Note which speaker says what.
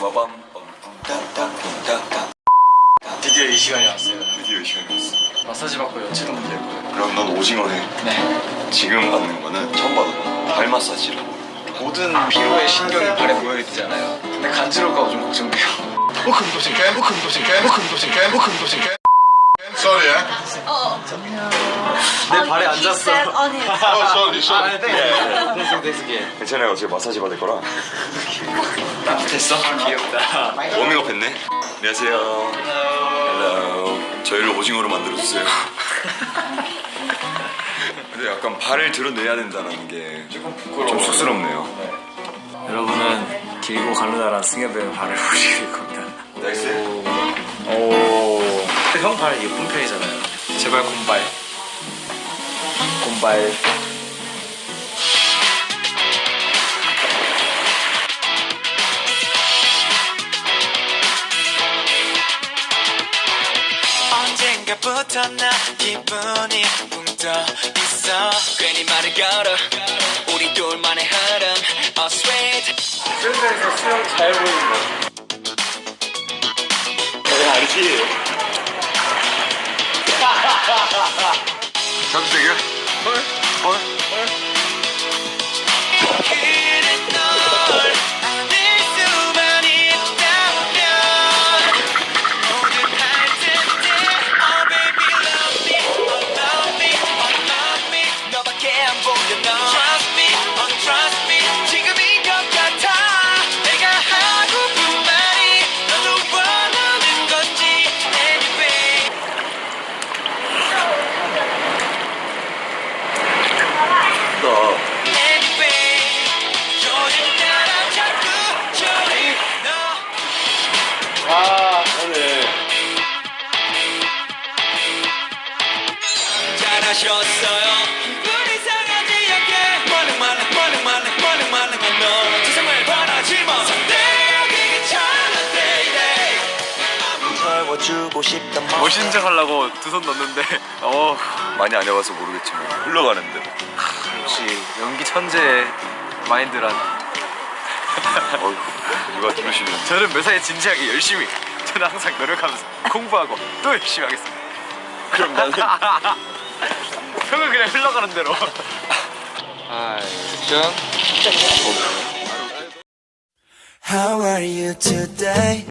Speaker 1: 드디어 이 시간이 왔어요.
Speaker 2: 드디어 이 시간이 왔어.
Speaker 1: 마사지 받고 연체도 문제일 거예요.
Speaker 2: 그럼 넌 오징어네.
Speaker 1: 네.
Speaker 2: 지금 받는 거는 처음 받아봐. 발 마사지라고.
Speaker 1: 모든 피로의 신경이 발에 모여 있잖아요. 근데 간지러울까 봐 좀 걱정돼요.
Speaker 3: Sorry, eh?
Speaker 1: 내 발에 앉았어.
Speaker 3: Oh, sorry, sorry.
Speaker 1: 됐어.
Speaker 2: 괜찮아요. 어차피 마사지 받을 거라.
Speaker 1: 됐어? 귀엽다.
Speaker 2: 워밍업 했네. 안녕하세요. 헬로. 저희를 오징어로 만들어주세요. 근데 약간 발을 드러내야 된다는 게 좀 쑥스럽네요.
Speaker 4: 여러분은 길고 가느다란 승엽의 발을 보실 겁니다.
Speaker 2: 나이스.
Speaker 4: 오. 형 발 예쁜 편이잖아요.
Speaker 1: 제발 곰발.
Speaker 4: 곰발.
Speaker 5: 언젠가부터 나 기분이 붕 떠 있어. 괜히 말을 걸어 우리 둘만의 흐름. Oh sweet.
Speaker 4: 수영장에서 수영 잘 보인다. 네, 알지?
Speaker 2: 잠시만요. 헐?
Speaker 5: 그래 널 안을 수만 있다면 뭐든 할 텐데. Oh baby love me, oh love me, oh love me. 너밖에 안 보여 너. Trust me, oh trust me. 지금인 것 같아. 내가 하고픈 말이 너도 원하는 건지. Anyway. 잘하셨어요. 기분이 상하지 않게 말랑 너 세상을 바라지 마. Someday 괜찮아.
Speaker 6: 채워주고 싶단 말.
Speaker 4: 멋인정 하려고 두 손 넣는데
Speaker 2: 많이 안 해봐서 모르겠지만 흘러가는데.
Speaker 4: 역시 연기 천재의 마인드란.
Speaker 2: 어휴, 누가 들으시면.
Speaker 4: 저는 매사에 진지하게 열심히, 저는 항상 노력하면서 공부하고 또 열심히 하겠습니다.
Speaker 2: 그럼 나는.
Speaker 4: 형은 그냥 흘러가는 대로.
Speaker 5: How are you today?